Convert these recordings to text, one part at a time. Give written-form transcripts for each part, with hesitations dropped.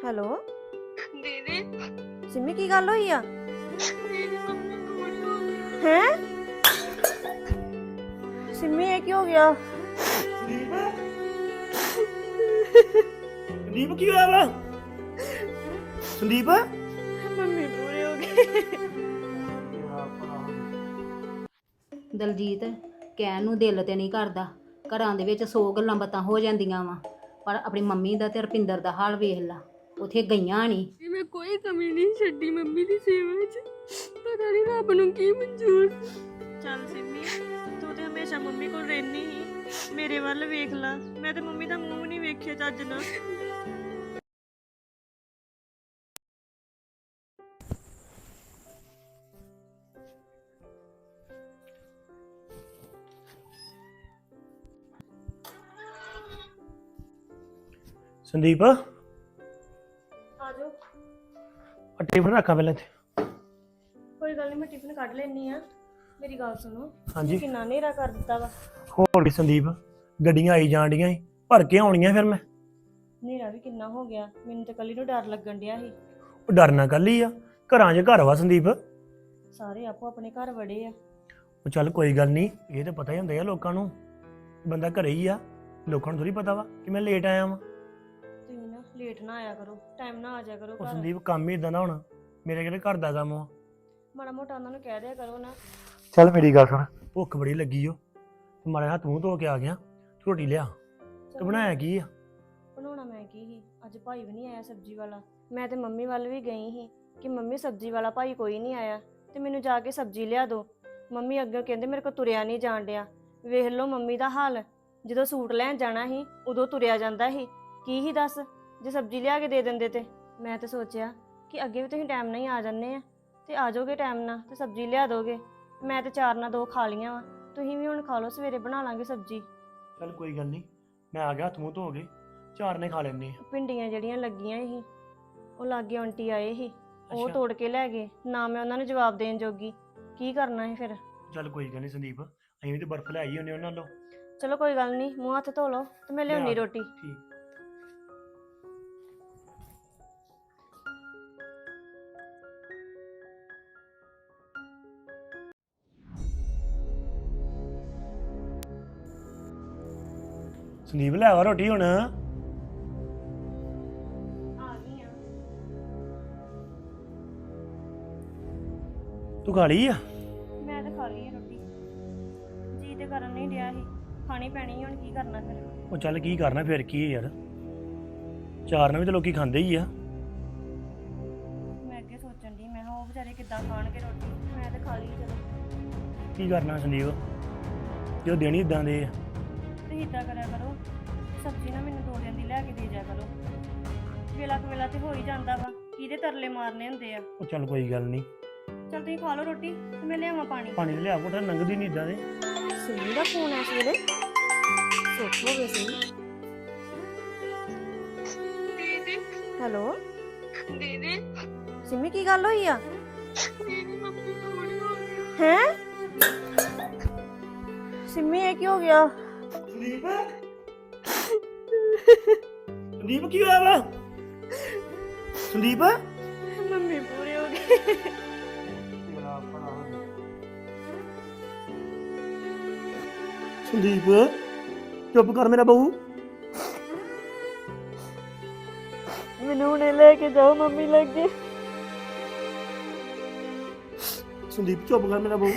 Hello ਦੀਦੀ ਸਿੰਮੀ ਕੀ ਗੱਲ ਹੋਈ ਆ ਮੇਰੀ ਮੰਮੀ ਨੂੰ ਕੁਝ ਹੋ ਗਿਆ। ਹੈ ਸਿੰਮੀ ਇਹ ਕੀ ਹੋ ਗਿਆ ਸੰਦੀਪ ਸੰਦੀਪ ਕੀ ਹੋਇਆ ਵਾ ਸੰਦੀਪ ਮੰਮੀ ਪੂਰੇ ਹੋ ਗਏ ਦਲਜੀਤ ਕਹਿਣ ਨੂੰ ਦਿਲ ਤੇ ਨਹੀਂ ਕਰਦਾ। ਘਰਾਂ ਦੇ ਵਿੱਚ 100 ਗੱਲਾਂ ਬਾਤਾਂ ਹੋ ਜਾਂਦੀਆਂ ਵਾ, ਪਰ ਆਪਣੀ ਮੰਮੀ ਦਾ ਤੇ ਰਪਿੰਦਰ ਦਾ ਹਾਲ ਵੇਖ ਲਾ। ਉੱਥੇ ਗਈਆਂ ਨਹੀਂ। ਮੈਂ ਕੋਈ ਕਮੀ ਨਹੀਂ ਛੱਡੀ ਮੰਮੀ ਦੀ ਸੇਵਾ ਵਿੱਚ। ਪਤਾ ਨਹੀਂ ਰੱਬ ਨੂੰ ਕੀ ਮਨਜ਼ੂਰ। ਚੱਲ ਸਿੰਮੀ ਤੂੰ ਤੇ ਹਮੇਸ਼ਾ ਮੰਮੀ ਕੋਲ ਰਹਿਨੀ ਹੀ, ਮੇਰੇ ਵੱਲ ਵੇਖ ਲਾ। ਮੈਂ ਤੇ ਮੰਮੀ ਦਾ ਮੂੰਹ ਨਹੀਂ ਵੇਖਿਆ ਚੱਜ ਨਾਲ। ਸੰਦੀਪ ਆ ਜਾਓ ਟਿਫਨ ਰੱਖਾਂ ਪਹਿਲਾਂ ਇੱਥੇ। ਕੋਈ ਗੱਲ ਨਹੀਂ ਮੈਂ ਟਿਫਨ ਕੱਢ ਲੈਣੀ ਆ। ਮੇਰੀ ਗੱਲ ਸੁਣੋ ਹਾਂਜੀ ਕਿੰਨਾ ਹਨੇਰਾ ਕਰ ਦਿੱਤਾ ਵਾ। ਹੋਰ ਕੀ ਸੰਦੀਪ, ਗੱਡੀਆਂ ਆਈ ਜਾਣ ਡੀਆਂ ਸੀ, ਭਰ ਕੇ ਆਉਣੀਆਂ ਫਿਰ ਮੈਂ। ਹਨੇਰਾ ਵੀ ਕਿੰਨਾ ਹੋ ਗਿਆ, ਮੈਨੂੰ ਤੇ ਕੱਲੀ ਨੂੰ ਡਰ ਲੱਗਣ ਡਿਆ ਸੀ। ਉਹ ਡਰਨਾ ਕੱਲ ਹੀ ਆ, ਘਰਾਂ 'ਚ ਘਰ ਵਾ ਸੰਦੀਪ। ਸਾਰੇ ਆਪੋ ਆਪਣੇ ਘਰ ਵੜੇ ਆ। ਉਹ ਚੱਲ ਕੋਈ ਗੱਲ ਨਹੀਂ, ਇਹ ਤਾਂ ਪਤਾ ਹੀ ਹੁੰਦਾ ਆ ਲੋਕਾਂ ਨੂੰ, ਬੰਦਾ ਘਰੇ ਹੀ ਆ। ਲੋਕਾਂ ਨੂੰ ਥੋੜੀ ਪਤਾ ਵਾ ਕਿ ਮੈਂ ਲੇਟ ਆਇਆ ਵਾਂ। ਤੁਸੀਂ ਨਾ ਲੇਟ ਨਾ ਆਇਆ ਕਰੋ, ਟਾਈਮ ਨਾ ਆ ਜਾਇਆ ਕਰੋ ਉਹ ਘਰ। ਸੰਦੀਪ ਕੰਮ ਹੀ ਇਦਾਂ ਦਾ ਹੁਣ, ਮੇਰੇ ਕਿਹੜੇ ਘਰ ਦਾ ਕੰਮ ਆ। ਮਾੜਾ ਮੋਟਾ ਉਹਨਾਂ ਨੂੰ ਕਹਿ ਦਿਆ ਕਰੋ ਨਾ। ਚੱਲ ਮੇਰੀ ਗੱਲ ਸੁਣ, ਭੁੱਖ ਬੜੀ ਲੱਗੀ ਓ ਤੇ ਮਾੜੇ ਹੱਥ ਮੂੰਹ ਧੋ ਕੇ ਆ ਗਿਆ। ਰੋਟੀ ਲਿਆ। ਤੂੰ ਬਣਾਇਆ ਕੀ ਆ? ਬਣਾਉਣਾ ਮੈਂ ਕੀ ਸੀ, ਅੱਜ ਭਾਈ ਵੀ ਨਹੀਂ ਆਇਆ ਸਬਜ਼ੀ ਵਾਲਾ। ਮੈਂ ਤੇ ਮੰਮੀ ਵੱਲ ਵੀ ਗਈ ਸੀ ਕਿ ਮੰਮੀ ਸਬਜ਼ੀ ਵਾਲਾ ਭਾਈ ਕੋਈ ਨਹੀਂ ਆਇਆ ਤੇ ਮੈਨੂੰ ਜਾ ਕੇ ਸਬਜ਼ੀ ਲਿਆ ਦਿਓ। ਮੰਮੀ ਅੱਗੇ ਕਹਿੰਦੇ ਮੇਰੇ ਕੋਲ ਤੁਰਿਆ ਨਹੀਂ ਜਾਣ ਡਿਆ। ਵੇਖ ਲਓ ਮੰਮੀ ਦਾ ਹਾਲ, ਜਦੋਂ ਸੂਟ ਲੈਣ ਜਾਣਾ ਸੀ ਉਦੋਂ ਤੁਰਿਆ ਜਾਂਦਾ ਸੀ। ਕੀ ਹੀ ਦੱਸ ਜੇ ਸਬਜ਼ੀ ਲਿਆ ਕੇ ਦੇ ਦਿੰਦੇ ਤੇ। ਮੈਂ ਤੇ ਸੋਚਿਆ ਕਿ ਅੱਗੇ ਵੀ ਤੁਸੀਂ ਟਾਈਮ ਨਾਲ ਹੀ ਆ ਜਾਂਦੇ ਆ ਤੇ ਆ ਜਾਓਗੇ ਟਾਈਮ ਨਾਲ ਤੇ ਸਬਜ਼ੀ ਲਿਆ ਦੋਗੇ। ਮੈਂ ਤੇ 4 ਨਾਲ 2 ਖਾ ਲੀਆਂ ਵਾ, ਤੁਸੀਂ ਵੀ ਹੁਣ ਖਾ ਲਓ, ਸਵੇਰੇ ਬਣਾ ਲਾਂਗੇ ਸਬਜ਼ੀ। ਚੱਲ ਕੋਈ ਗੱਲ ਨਹੀਂ, ਮੈਂ ਆ ਗਿਆ, ਹੱਥ ਮੂੰਹ ਧੋ ਕੇ 4 ਨੇ ਖਾ ਲੈਣੇ ਆ। ਭਿੰਡੀਆਂ ਜਿਹੜੀਆਂ ਲੱਗੀਆਂ ਸੀ ਉਹ ਲਾਗੇ ਆਂਟੀ ਆਏ ਸੀ, ਉਹ ਅੱਛਾ। ਤੋੜ ਕੇ ਲੈ ਗਏ ਨਾ। ਮੈਂ ਉਹਨਾਂ ਨੂੰ ਜਵਾਬ ਦੇਣ ਜੋਗੀ ਕੀ ਕਰਨਾ ਸੀ ਫਿਰ। ਚੱਲ ਕੋਈ ਗੱਲ ਨਹੀਂ ਸੰਦੀਪ, ਅਸੀਂ ਵੀ ਤੇ ਬਰਫ਼ ਲੈ ਆਈ ਹੁੰਨੇ ਉਹਨਾਂ ਨਾਲੋਂ। ਚਲੋ ਕੋਈ ਗੱਲ ਨਹੀਂ, ਮੂੰਹ ਹੱਥ ਧੋ ਲਓ ਤੇ ਮੈਂ ਲਿਆਉਣੀ ਲਿਆ। ਰੋਟੀ। ਠੀਕ। ਸੰਦੀਪ ਲੈ ਆ ਰੋਟੀ ਹੁਣ। ਆ ਗਈ ਆ। ਤੂੰ ਖਾ ਲਈ ਆ? ਮੈਂ ਤਾਂ ਖਾ ਲਈ ਆ ਰੋਟੀ, ਜੀ ਤੇ ਕਰਨ ਨਹੀਂ ਡਿਆ ਸੀ, ਖਾਣੀ ਪੈਣੀ ਹੁਣ ਕੀ ਕਰਨਾ ਫਿਰ। ਉਹ ਚੱਲ ਕੀ ਕਰਨਾ ਫਿਰ ਕੀ ਹੈ ਯਾਰ, 4 ਨਾਲ ਵੀ ਤਾਂ ਲੋਕੀ ਖਾਂਦੇ ਹੀ ਆ। ਮੈਂ ਅੱਗੇ ਸੋਚਣ ਦੀ, ਮੈਂ ਕਿਹਾ ਉਹ ਵਿਚਾਰੇ ਕਿੱਦਾਂ ਖਾਣਗੇ ਰੋਟੀ। ਮੈਂ ਤਾਂ ਖਾ ਲਈ ਚਲੋ। ਕੀ ਕਰਨਾ ਸੰਦੀਪ, ਜੋ ਦੇਣੀ ਇਦਾਂ ਦੇ ਆ। ਤੁਸੀਂ ਇੱਦਾਂ ਕਰਿਆ ਕਰੋ, ਸਬਜ਼ੀ ਨਾ ਮੈਨੂੰ 2 ਦਿਨ ਦੀ ਲੈ ਕੇ ਦੇ ਜਾ ਕਰੋ। ਵੇਲਾ ਕੁ ਵੇਲਾ ਤੇ ਹੋ ਹੀ ਜਾਂਦਾ ਵਾ, ਕਿਹਦੇ ਤਰਲੇ ਮਾਰਨੇ ਹੁੰਦੇ ਆ। ਉਹ ਚੱਲ ਕੋਈ ਗੱਲ ਨਹੀਂ, ਚਲ ਤੁਸੀਂ ਖਾ ਲਓ ਰੋਟੀ ਤੇ ਮੈਂ ਲਿਆਵਾਂ ਪਾਣੀ। ਪਾਣੀ ਲਿਆ ਕੋਟਾ, ਲੰਘਦੀ ਨਹੀਂ ਇਦਾਂ ਦੇ। ਸਿੰਮੀ ਦਾ ਫੋਨ ਆ ਇਸ ਵੇਲੇ, ਸੁੱਖ ਹੋ ਗਏ ਸੀ। ਦੀਦੀ ਹੈਲੋ ਦੀਦੀ ਸਿੰਮੀ ਕੀ ਗੱਲ ਹੋਈ ਆ? ਮੇਰੀ ਮੰਮੀ ਨੂੰ ਕੁਝ ਹੋ ਗਿਆ। ਹੈ ਸਿੰਮੀ ਇਹ ਕੀ ਹੋ ਗਿਆ? ਸੰਦੀਪ ਸੰਦੀਪ ਕੀ ਹੋਇਆ ਵਾ? ਸੰਦੀਪ ਮੰਮੀ ਪੂਰੇ ਹੋ ਗਏ। ਸੰਦੀਪ ਚੁੱਪ ਕਰ ਮੇਰਾ ਬਹੂ। ਮੈਨੂੰ ਹੁਣੇ ਲੈ ਕੇ ਜਾਓ ਮੰਮੀ ਲੱਗੇ। ਸੰਦੀਪ ਚੁੱਪ ਕਰ ਮੇਰਾ ਬਹੂ।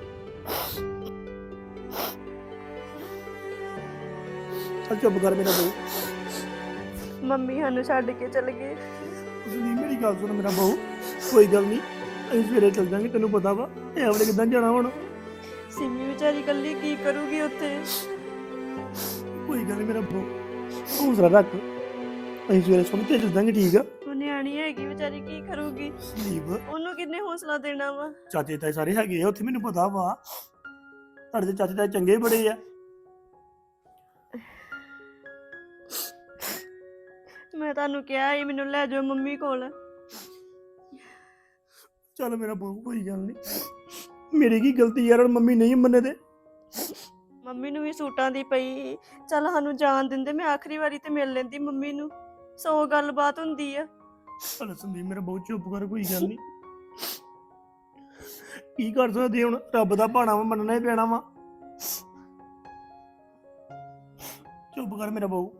ਚੱਲ ਚੁੱਪ ਕਰ ਮੇਰਾ ਬਹੂ। ਮੰਮੀ ਸਾਨੂੰ ਛੱਡ ਕੇ ਚਲੇ ਗਏ। ਸੰਦੀਪ ਮੇਰੀ ਗੱਲ ਸੁਣ ਮੇਰਾ ਬਹੂ, ਕੋਈ ਗੱਲ ਨਹੀਂ, ਅਸੀਂ ਸਵੇਰੇ ਚੱਲ ਜਾਾਂਗੇ, ਤੈਨੂੰ ਪਤਾ ਵਾ ਇਹ ਆਪਣੇ ਕਿੱਦਾਂ ਜਾਣਾ ਹੁਣ। ਸਿੰਮੀ ਵਿਚਾਰੀ ਇਕੱਲੀ ਕੀ ਕਰੂਗੀ ਉੱਥੇ? ਕੋਈ ਗੱਲ ਨਹੀਂ ਮੇਰਾ ਬਹੂ, ਹੌਸਲਾ ਰੱਖ, ਅਸੀਂ ਸਵੇਰੇ ਸੁਣ ਕੇ ਚੱਲ ਜਾਾਂਗੇ, ਠੀਕ ਆ? ਉਹ ਨਿਆਣੀ ਹੈਗੀ ਵਿਚਾਰੀ, ਕੀ ਕਰੂਗੀ? ਸੰਦੀਪ ਉਹਨੂੰ ਕਿੰਨੇ ਹੌਸਲਾ ਦੇਣਾ ਵਾ? ਚਾਚੇ ਤਾਏ ਸਾਰੇ ਹੈਗੇ ਆ ਉੱਥੇ, ਮੈਨੂੰ ਪਤਾ ਵਾ ਤੁਹਾਡੇ ਤੇ ਚਾਚੇ ਤਾਏ ਚੰਗੇ ਬੜੇ ਆ। ਮੈਂ ਤੁਹਾਨੂੰ ਕਿਹਾ ਸੀ ਮੈਨੂੰ ਲੈ ਜਾਓ ਮੰਮੀ ਕੋਲ। ਚੱਲ ਮੇਰਾ ਬਹੂ ਕੋਈ ਗੱਲ ਨਹੀਂ, ਮੇਰੀ ਕੀ ਗਲਤੀ ਯਾਰ, ਹੁਣ ਮੰਮੀ ਨਹੀਂ ਮੰਨੇ ਤੇ। ਮੰਮੀ ਨੂੰ ਵੀ ਸੂਟਾਂ ਦੀ ਪਈ, ਚੱਲ ਸਾਨੂੰ ਜਾਣ ਦਿੰਦੇ, ਮੈਂ ਆਖਰੀ ਵਾਰੀ ਤੇ ਮਿਲ ਲੈਂਦੀ ਮੰਮੀ ਨੂੰ। 100 ਗੱਲਬਾਤ ਹੁੰਦੀ ਆ। ਚੱਲ ਸੰਦੀਪ ਮੇਰਾ ਬਹੁਤ ਚੁੱਪ ਕਰ, ਕੋਈ ਗੱਲ ਨਹੀਂ। ਕੀ ਕਰ ਸਕਦੇ ਹੁਣ, ਰੱਬ ਦਾ ਭਾਣਾ ਵਾ, ਮੰਨਣਾ ਹੀ ਪੈਣਾ ਵਾ। ਚੁੱਪ ਕਰ ਮੇਰਾ ਬਹੁ।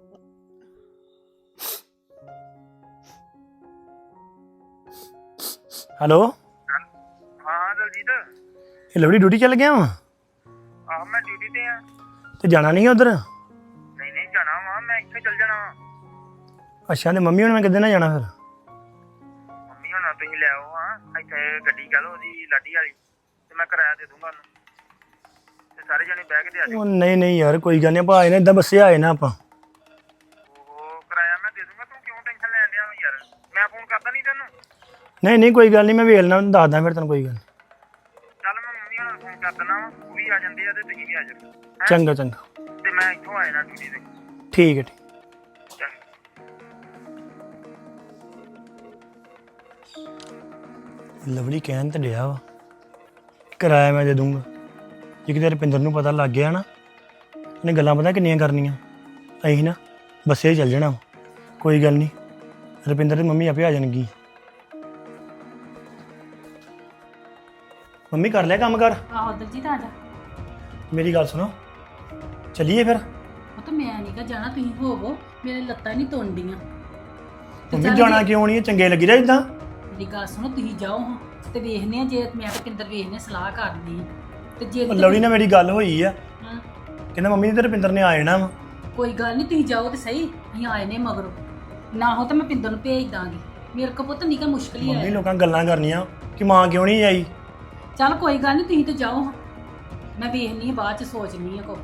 ਹੈਲੋ ਹਾਂ ਦਲਜੀਤ, ਇਹ ਲਵਲੀ ਡਿਊਟੀ ਚੱਲ ਗਿਆ ਵਾ ਆਹ ਮੈਂ ਡਿਊਟੀ ਤੇ ਆ। ਤੇ ਜਾਣਾ ਨਹੀਂ ਉਧਰ? ਨਹੀਂ ਨਹੀਂ ਜਾਣਾ ਵਾ, ਮੈਂ ਇੱਥੇ ਚੱਲ ਜਾਣਾ ਵਾ। ਅੱਛਾ, ਤੇ ਮੰਮੀ ਹੁਣ ਮੈਂ ਕਿੱਦਾਂ ਨਾ ਜਾਣਾ ਫਿਰ? ਮੰਮੀ ਹੋਣਾ ਤੁਸੀਂ ਲੈ ਆਓ ਹਾਂ, ਇੱਥੇ ਗੱਡੀ ਕਹਿ ਲਓ ਉਹਦੀ ਲਾਡੀ ਵਾਲੀ, ਤੇ ਮੈਂ ਕਿਰਾਇਆ ਦੇ ਦੂੰਗਾ ਉਹਨੂੰ, ਤੇ ਸਾਰੇ ਜਣੇ ਬਹਿ ਕੇ ਤੇ ਆ ਜਾਓ। ਉਹ ਨਹੀਂ ਨਹੀਂ ਯਾਰ, ਕੋਈ ਗੱਲ ਨਹੀਂ, ਆਪਾਂ ਆਏ ਨਾ ਇਦਾਂ ਬੱਸੇ ਆਏ ਨਾ ਆਪਾਂ। ਉਹ ਕਿਰਾਇਆ ਮੈਂ ਦੇ ਦੂੰਗਾ, ਤੂੰ ਕਿਉਂ ਟੈਨਸ਼ਨ ਲੈਣ ਡਿਆ ਵਾ ਯਾਰ? ਮੈਂ ਫੋਨ ਕਰਦਾ ਨਹੀਂ ਤੈਨੂੰ? ਨਹੀਂ ਨਹੀਂ ਕੋਈ ਗੱਲ ਨਹੀਂ, ਮੈਂ ਵੇਖ ਲੈਣਾ, ਦੱਸਦਾ ਫਿਰ ਤੈਨੂੰ, ਕੋਈ ਗੱਲ ਨੀ। ਚੱਲ ਮੈਂ ਮੰਮੀ ਹੋਣਾ ਨੂੰ ਫੋਨ ਕਰ ਦਿੰਦਾ ਵਾ, ਉਹ ਵੀ ਆ ਜਾਂਦੇ ਆ ਤੇ ਤੁਸੀਂ ਵੀ ਆ ਜਾਓ। ਹੈਂ? ਚੰਗਾ ਚੰਗਾ, ਤੇ ਮੈਂ ਇੱਥੋਂ ਆ ਜਾਣਾ ਡਿਊਟੀ ਤੇ। ਠੀਕ ਹੈ ਠੀਕ। ਚੰਗਾ। ਲਵਲੀ ਕਹਿਣ ਤੇ ਡਿਆ ਵਾ ਕਿਰਾਇਆ ਮੈਂ ਦੇ ਦੂੰਗਾ। ਜੇ ਕਿਤੇ ਰੁਪਿੰਦਰ ਨੂੰ ਪਤਾ ਲੱਗ ਗਿਆ ਨਾ, ਇਹਨੇ ਗੱਲਾਂ ਪਤਾ ਕਿੰਨੀਆਂ ਕਰਨੀਆਂ। ਅਸੀਂ ਨਾ ਬੱਸੇ ਹੀ ਚੱਲ ਜਾਣਾ ਵਾ। ਕੋਈ ਗੱਲ ਨਹੀਂ, ਰੁਪਿੰਦਰ ਦੀ ਮੰਮੀ ਆਪੇ ਆ ਜਾਣਗੀ। ਮੰਮੀ ਕਰ ਲਿਆ ਕੰਮ ਕਰ? ਆਹੋ ਦਲਜੀਤ ਆ ਜਾ। ਮੇਰੀ ਗੱਲ ਸੁਣੋ, ਚੱਲੀਏ ਫਿਰ? ਉਹ ਤਾਂ ਮੈਂ ਨਹੀਂ ਕਾ ਜਾਣਾ, ਤੁਸੀਂ ਹੋਵੋ, ਮੇਰੇ ਲੱਤਾਂ ਹੀ ਨਹੀਂ ਤੁੰਡੀਆਂ। ਮੰਮੀ ਜਾਣਾ ਕਿਉਂ ਨਹੀਂ, ਚੰਗੇ ਲੱਗੀ ਰਿਹਾ ਇਦਾਂ? ਮੇਰੀ ਗੱਲ ਸੁਣੋ, ਤੁਸੀਂ ਜਾਓ ਹਾਂ ਤੇ ਵੇਖਨੇ ਆ, ਜੇ ਮੈਂ ਤੇ ਪਿੰਦਰ ਵੇਖਨੇ ਸਲਾਹ ਕਰਨੀ ਆ ਤੇ ਜੇ ਲਵਲੀ ਨਾਲ ਮੇਰੀ ਗੱਲ ਹੋਈ ਆ, ਹਾਂ, ਕਹਿੰਦਾ ਮੰਮੀ ਨੇ ਤੇ ਰੁਪਿੰਦਰ ਨੇ ਆ ਜਾਣਾ ਵਾ। ਕੋਈ ਗੱਲ ਨਹੀਂ, ਤੁਸੀਂ ਜਾਓ ਤੇ ਸਹੀ, ਅਸੀਂ ਆਏ ਨੇ ਮਗਰੋਂ, ਨਾ ਹੋ ਤਾਂ ਮੈਂ ਪਿੰਦਰ ਨੂੰ ਭੇਜ ਦਾਂਗੀ। ਮੇਰੇ ਕੋ ਪੁੱਤ ਨਿੱਕਾ ਮੁਸ਼ਕਲ ਹੀ ਮੰਮੀ ਆਇਆ। ਲੋਕਾਂ ਗੱਲਾਂ ਕਰਨੀਆਂ ਕਿ ਮਾਂ ਕਿਉਂ ਨਹੀਂ ਆਈ। ਚੱਲ ਕੋਈ ਗੱਲ ਨਹੀਂ, ਤੁਸੀਂ ਤੇ ਜਾਓ ਹਾਂ, ਮੈਂ ਵੇਖਨੀ ਆ, ਬਾਅਦ ਚ ਸੋਚਨੀ ਆ ਕੋ।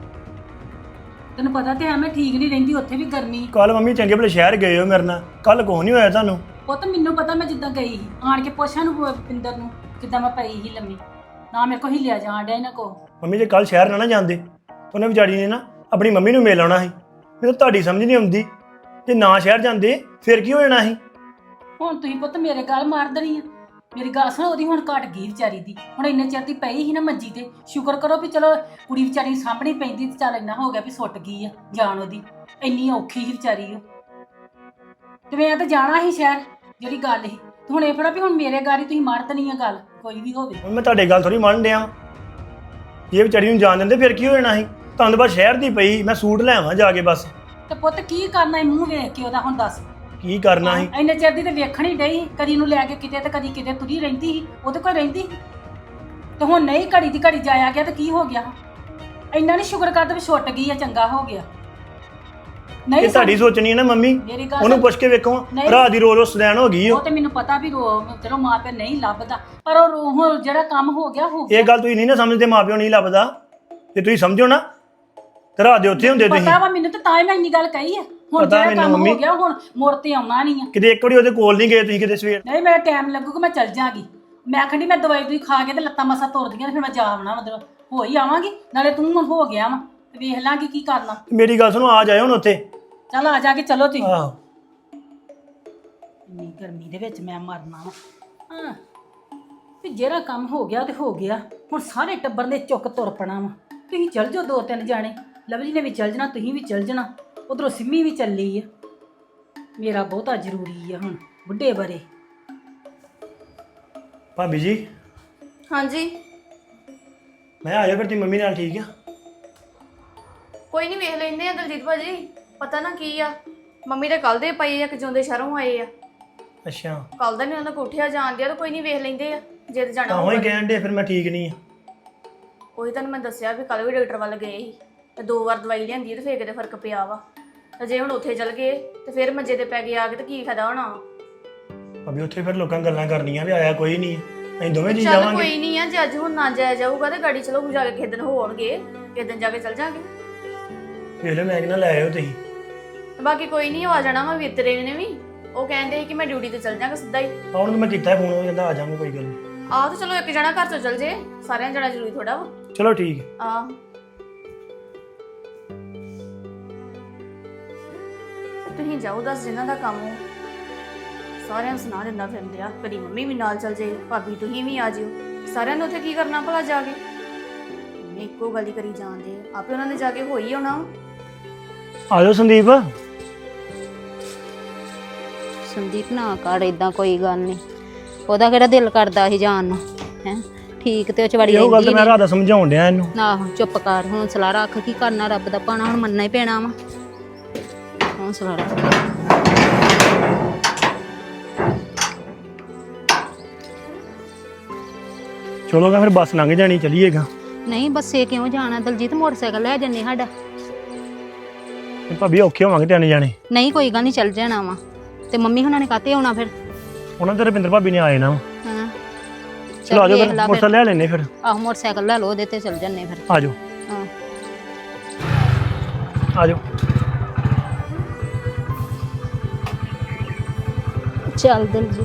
ਤੈਨੂੰ ਪਤਾ ਤੇ ਹੈ ਮੈਂ ਠੀਕ ਨਹੀਂ ਰਹਿੰਦੀ, ਉੱਥੇ ਵੀ ਗਰਮੀ। ਕੱਲ ਮੰਮੀ ਚੰਗੇ ਭਲੇ ਸ਼ਹਿਰ ਗਏ ਹੋ ਮੇਰੇ ਨਾਲ, ਕੱਲ ਕੁਛ ਨਹੀਂ ਹੋਇਆ ਤੁਹਾਨੂੰ? ਪੁੱਤ ਮੈਨੂੰ ਪਤਾ, ਮੈਂ ਜਿੱਦਾਂ ਗਈ ਸੀ ਆਣ ਕੇ ਪੁੱਛਾਂ ਨੂੰ ਪਿੰਦਰ ਨੂੰ ਕਿੱਦਾਂ ਮੈਂ ਪਈ ਸੀ ਲੰਮੀ, ਨਾ ਮੇਰੇ ਕੋ ਹਿੱਲਿਆ ਜਾਣ ਡਿਆ ਇਹਨਾਂ ਕੋ। ਮੰਮੀ ਜੇ ਕੱਲ ਸ਼ਹਿਰ ਨਾ ਜਾਂਦੇ ਤਾਂ ਉਹਨੇ ਵਿਚਾਰੀ ਨੇ ਨਾ ਆਪਣੀ ਮੰਮੀ ਨੂੰ ਮਿਲ ਆਉਣਾ ਸੀ। ਮੈਨੂੰ ਤੁਹਾਡੀ ਸਮਝ ਨਹੀਂ ਆਉਂਦੀ, ਜੇ ਨਾ ਸ਼ਹਿਰ ਜਾਂਦੇ ਫਿਰ ਕੀ ਹੋ ਜਾਣਾ ਸੀ? ਹੁਣ ਤੁਸੀਂ ਪੁੱਤ ਮੇਰੇ ਗੱਲ ਮਾਰ ਦੇਣੀ ਆ। ਮੇਰੀ ਗੱਲ ਸੁਣ, ਉਹਦੀ ਹੁਣ ਘਟ ਗਈ ਵਿਚਾਰੀ ਦੀ, ਹੁਣ ਇੰਨੇ ਚਿਰ ਦੀ ਪਈ ਸੀ ਨਾ ਮੰਜੀ ਤੇ, ਸ਼ੁਕਰ ਕਰੋ ਵੀ ਚਲੋ ਕੁੜੀ ਵਿਚਾਰੀ ਸਾਹਮਣੇ ਪੈਂਦੀ ਤੇ ਚੱਲ ਇੰਨਾ ਹੋ ਗਿਆ ਵੀ ਸੁੱਟ ਗਈ ਆ ਜਾਨ ਉਹਦੀ, ਇੰਨੀ ਔਖੀ ਸੀ ਵਿਚਾਰੀ ਉਹ। ਤੇ ਮੈਂ ਤਾਂ ਜਾਣਾ ਸੀ ਸ਼ਹਿਰ, ਜਿਹੜੀ ਗੱਲ ਸੀ, ਤੇ ਹੁਣ ਇਹ ਫੜਾ ਵੀ ਹੁਣ ਮੇਰੇ ਗਾੜੀ ਤੁਸੀਂ ਮਾਰ ਦੇਣੀ ਆ ਗੱਲ, ਕੋਈ ਵੀ ਹੋਵੇ। ਹੁਣ ਮੈਂ ਤੁਹਾਡੇ ਗੱਲ ਥੋੜੀ ਮੰਨ ਡਿਆ, ਜੇ ਵਿਚਾਰੀ ਨੂੰ ਜਾਣ ਦਿੰਦੇ ਫਿਰ ਕੀ ਹੋ ਜਾਣਾ ਸੀ? ਤੁਹਾਨੂੰ ਬਸ ਸ਼ਹਿਰ ਦੀ ਪਈ, ਮੈਂ ਸੂਟ ਲੈ ਆਵਾਂ ਜਾ ਕੇ ਬਸ। ਤੇ ਪੁੱਤ ਕੀ ਕਰਨਾ ਹੈ ਮੂੰਹ ਵੇਖ ਕੇ ਉਹਦਾ, ਹੁਣ ਦੱਸ। ਕੀ ਕਰਨਾ ਸੀ? ਇੰਨੇ ਚਿਰ ਦੀ ਤੇ ਵੇਖਣ ਹੀ ਡਈ, ਕਦੀ ਨੂੰ ਲੈ ਕੇ ਕਿਤੇ ਤੇ ਕਦੀ ਕਿਤੇ ਤੁਰੀ ਰਹਿੰਦੀ ਸੀ, ਉਹਦੇ ਕੋਲ ਰਹਿੰਦੀ ਸੀ। ਤੇ ਹੁਣ ਨਹੀਂ, ਘੜੀ ਦੀ ਘੜੀ ਜਾਇਆ ਗਿਆ ਤੇ ਕੀ ਹੋ ਗਿਆ? ਇੰਨਾ ਨਹੀਂ ਸ਼ੁਕਰ ਕਰਦਾ ਵੀ ਛੁੱਟ ਗਈ ਆ, ਚੰਗਾ ਹੋ ਗਿਆ। ਨਹੀਂ ਇਹ ਤੁਹਾਡੀ ਸੋਚਣੀ ਹੈ ਨਾ ਮੰਮੀ, ਮੇਰੀ ਗੱਲ ਉਹਨੂੰ ਪੁੱਛ ਕੇ ਵੇਖੋ, ਨਹੀਂ। ਰਾਤ ਦੀ ਰੋਜ਼ ਸਦੈਣ ਹੋ ਗਈ ਉਹ ਤੇ ਮੈਨੂੰ ਪਤਾ ਵੀ ਚਲੋ ਮਾਂ ਪਿਓ ਨਹੀਂ ਲੱਭਦਾ, ਪਰ ਉਹ ਹੁਣ ਜਿਹੜਾ ਕੰਮ ਹੋ ਗਿਆ ਹੋ ਗਿਆ। ਇਹ ਗੱਲ ਤੁਸੀਂ ਨਹੀਂ ਨਾ ਸਮਝਦੇ, ਮਾਪਿਓ ਨਹੀਂ ਲੱਭਦਾ। ਜੇ ਤੁਸੀਂ ਸਮਝੋ ਨਾ ਤੇ ਰਾਤ ਦੇ ਉੱਥੇ ਹੁੰਦੇ ਤੁਸੀਂ। ਪਤਾ ਵਾ ਮੈਨੂੰ, ਤੇ ਤਾਂ ਹੀ ਮੈਂ ਇੰਨੀ ਗੱਲ ਕਹੀ ਆ। ਹੁਣ ਪਤਾ ਜਿਹੜਾ ਮੈਨੂੰ ਕੰਮ ਮੰਮੀ। ਹੋ ਗਿਆ, ਹੁਣ ਮੁੜ ਤੇ ਆਉਣਾ ਨਹੀਂ ਆ। ਕਿਤੇ ਇੱਕ ਵਾਰੀ ਉਹਦੇ ਕੋਲ ਨਹੀਂ ਗਏ ਤੁਸੀਂ ਕਿਤੇ ਸਵੇਰ? ਨਹੀਂ, ਮੇਰਾ ਟਾਈਮ ਲੱਗੂਗਾ, ਮੈਂ ਚੱਲ ਜਾਗੀ। ਮੈਂ ਆਖਣੀ ਮੈਂ ਦਵਾਈ ਦੂਈ ਖਾ ਕੇ ਤੇ ਲੱਤਾਂ ਮਸਾ ਤੁਰਦੀਆਂ ਤੇ ਫਿਰ ਮੈਂ ਜਾ ਆਉਣਾ, ਮਤਲਬ ਹੋ ਹੀ ਆਵਾਂਗੀ। ਨਾਲੇ ਤੂੰ ਹੁਣ ਹੋ ਗਿਆ ਵਾ ਤੇ ਵੇਖ ਲਾਂਗੀ ਕੀ ਕਰਨਾ। ਮੇਰੀ ਗੱਲ ਸੁਣੋ, ਆ ਜਾਇਓ ਹੁਣ ਉੱਥੇ। ਚੱਲ ਆ ਜਾ ਕੇ ਚਲੋ ਤੁਸੀਂ। ਆਹੋ, ਇੰਨੀ ਗਰਮੀ ਦੇ ਵਿੱਚ ਮੈਂ ਮਰਨਾ ਵਾ। ਹਾਂ, ਵੀ ਜਿਹੜਾ ਕੰਮ ਹੋ ਗਿਆ ਤੇ ਹੋ ਗਿਆ, ਹੁਣ ਸਾਰੇ ਟੱਬਰ ਨੇ ਚੁੱਕ ਤੁਰ ਪਣਾ ਵਾ। ਤੁਸੀਂ ਚੱਲ ਜਾਓ, 2-3 ਜਾਣੇ, ਲਵਲੀ ਨੇ ਵੀ ਚੱਲ ਜਾਣਾ, ਤੁਸੀਂ ਵੀ ਚੱਲ ਜਾਣਾ, ਉਧਰੋਂ ਸਿੰਮੀ ਵੀ ਚੱਲੀ ਆ। ਮੇਰਾ ਬਹੁਤਾ ਜ਼ਰੂਰੀ ਆ ਹੁਣ ਬੁੱਢੇ ਬਾਰੇ। ਭਾਬੀ ਜੀ ਹਾਂਜੀ, ਮੈਂ ਆ ਜਾ ਫਿਰ, ਤੁਸੀਂ ਮੰਮੀ ਨਾਲ ਠੀਕ ਆ? ਕੋਈ ਨਹੀਂ, ਵੇਖ ਲੈਂਦੇ ਆ ਦਲਜੀਤ ਭਾਜੀ। ਪਤਾ ਨਾ ਕੀ ਆ, ਮੰਮੀ ਦੇ ਕੱਲ ਦੇ ਪਏ ਆ ਕਿ ਜਿਉਂਦੇ ਸ਼ਹਿਰੋਂ ਆਏ ਆ। ਅੱਛਾ, ਕੱਲ ਦਾ ਨਹੀਂ ਉਹਨਾਂ ਕੋਠਿਆ ਜਾਣਦੇ ਆ, ਤਾਂ ਕੋਈ ਨਹੀਂ ਵੇਖ ਲੈਂਦੇ ਆ ਜੇ ਤੇ ਜਾਣਾ ਤਾਂ ਹੀ ਹੋਊਗਾ। ਕਹਿਣ ਦੇ ਫਿਰ ਮੈਂ ਠੀਕ ਨਹੀਂ ਆ। ਉਹੀ ਤੁਹਾਨੂੰ ਮੈਂ ਦੱਸਿਆ ਵੀ ਕੱਲ ਵੀ ਡਾਕਟਰ ਵੱਲ ਗਏ ਸੀ ਤੇ 2 ਵਾਰ ਦਵਾਈ ਲਿਆਂਦੀ ਤੇ ਫੇਰ ਕਿਤੇ ਫਰਕ ਪਿਆ ਵਾ। ਤੇ ਜੇ ਹੁਣ ਉੱਥੇ ਚਲ ਗਏ ਤੇ ਫਿਰ ਮੰਜੇ ਤੇ ਪੈ ਗਏ ਆ ਕੇ ਤੇ ਕੀ ਫਾਇਦਾ ਹੋਣਾ? ਭਾਬੀ ਉੱਥੇ ਫਿਰ ਲੋਕਾਂ ਗੱਲਾਂ ਕਰਨੀਆਂ ਵੀ ਆਇਆ ਕੋਈ ਨਹੀਂ, ਅਸੀਂ ਦੋਵੇਂ ਜੀ ਚੱਲ ਜਾਵਾਂਗੇ। ਕੋਈ ਨਹੀਂ ਆ, ਜੇ ਅੱਜ ਹੁਣ ਨਾ ਜਾਇਆ ਜਾਊਗਾ ਤੇ ਗਾੜੀ ਚਲੋ ਜਾ ਕੇ ਕਿਸੇ ਦਿਨ ਹੋਣਗੇ, ਕਿਸੇ ਦਿਨ ਜਾ ਕੇ ਚਲ ਜਾਾਂਗੇ। ਵੇਖ ਲਓ, ਮੈਂ ਕਿਹਾ ਲੈ ਆਇਓ ਤੁਸੀਂ। ਬਾਕੀ ਕੋਈ ਨਹੀਂ, ਆ ਜਾਣਾ ਵਾ ਵੀਤਰੇ ਨੇ ਵੀ, ਉਹ ਕਹਿੰਦੇ ਸੀ ਕਿ ਮੈਂ ਡਿਊਟੀ ਤੇ ਚਲ ਜਾਾਂਗਾ ਸਿੱਧਾ ਹੀ। ਹੁਣ ਤਾਂ ਮੈਂ ਕੀਤਾ ਫੋਨ, ਉਹ ਕਹਿੰਦਾ ਆ ਜਾਵਾਂਗੇ, ਕੋਈ ਗੱਲ ਨਹੀਂ। ਆਹ ਤਾਂ ਚਲੋ ਇੱਕ ਜਣਾ ਘਰ ਤੋਂ ਚਲ ਜੇ, ਸਾਰਿਆਂ ਜਾਣਾ ਜ਼ਰੂਰੀ ਥੋੜਾ ਵਾ। ਚਲੋ ਠੀਕ ਹੈ। ਆਹ ਤੁਸੀਂ ਜਾਓ, ਦੱਸ ਜਿਨ੍ਹਾਂ ਦਾ ਕੰਮ ਹੋ ਸਾਰਿਆਂ ਨੂੰ ਸੁਣਾ ਦਿੰਦਾ ਫਿਰਦੇ ਆ। ਕਦੀ ਮੰਮੀ ਵੀ ਨਾਲ ਚਲ ਜੇ, ਭਾਬੀ ਤੁਸੀਂ ਵੀ ਆ ਜਿਓ, ਸਾਰਿਆਂ ਨੂੰ ਉੱਥੇ ਕੀ ਕਰਨਾ ਭਲਾ ਜਾ ਕੇ? ਇੱਕੋ ਗੱਲ ਹੀ ਕਰੀ ਜਾਂਦੇ ਆ, ਆਪੇ ਉਹਨਾਂ ਨੇ ਜਾ ਕੇ ਹੋਈ ਆਉਣਾ। ਆ ਜਾਓ ਸੰਦੀਪ। ਸੰਦੀਪ ਨਾ ਕਰ ਇਦਾਂ, ਕੋਈ ਗੱਲ ਨਹੀਂ। ਉਹਦਾ ਕਿਹੜਾ ਦਿਲ ਕਰਦਾ ਸੀ ਜਾਣ ਨੂੰ ਹੈ। ਠੀਕ ਤੇ ਉਹ ਚਵੜੀ ਇਹੋ ਗੱਲ ਰਹਿੰਦੀ ਤੇ ਮੈਂ ਰਾਤ ਦਾ ਸਮਝਾਉਣ ਡਿਆ ਇਹਨੂੰ। ਆਹੋ ਚੁੱਪ ਕਰ, ਹੌਂਸਲਾ ਰੱਖ। ਕੀ ਕਰਨਾ, ਰੱਬ ਦਾ ਪਾਣਾ ਹੁਣ ਮੰਨਣਾ ਹੀ ਪੈਣਾ ਵਾ। ਹੌਂਸਲਾ ਰੱਖ। ਚਲੋ ਗਾ ਫਿਰ ਬੱਸ ਲੰਘ ਜਾਣੀ, ਚਲੀਏਗਾ। ਨਹੀਂ ਬੱਸੇ ਕਿਉਂ ਜਾਣਾ ਦਲਜੀਤ, ਮੋਟਰਸਾਈਕਲ ਲੈ ਜੰਨੇ ਸਾਡਾ। ਤੇ ਭਾਬੀ ਔਖੇ ਹੋਵਾਂਗੇ ਤਿੰਨ ਜਾਣੇ। ਨਹੀਂ ਕੋਈ ਗੱਲ ਨਹੀਂ, ਚੱਲ ਜਾਣਾ ਵਾ। ਤੇ ਮੰਮੀ ਹੁਣਾਂ ਨੇ ਕਾਤੇ ਆਉਣਾ ਫਿਰ? ਉਹਨਾਂ ਤੇ ਰਵਿੰਦਰ ਭਾਬੀ ਨੇ ਆਏ ਨਾ। ਹਾਂ ਚਲੋ ਆ ਜਾਓ ਵੇਖ ਫਿਰ, ਲਾ ਮੋਟਰਸਾਈਕਲ ਲੈ ਲੈਨੇ ਫਿਰ। ਆਹੋ ਮੋਟਰਸਾਈਕਲ ਲੈ ਲਓ, ਉਹਦੇ ਤੇ ਚੱਲ ਜੰਨੇ ਫਿਰ। ਆ ਜਾਓ ਹਾਂ ਆ ਜਾਓ। ਚੱਲ ਦਲਜੀਤ।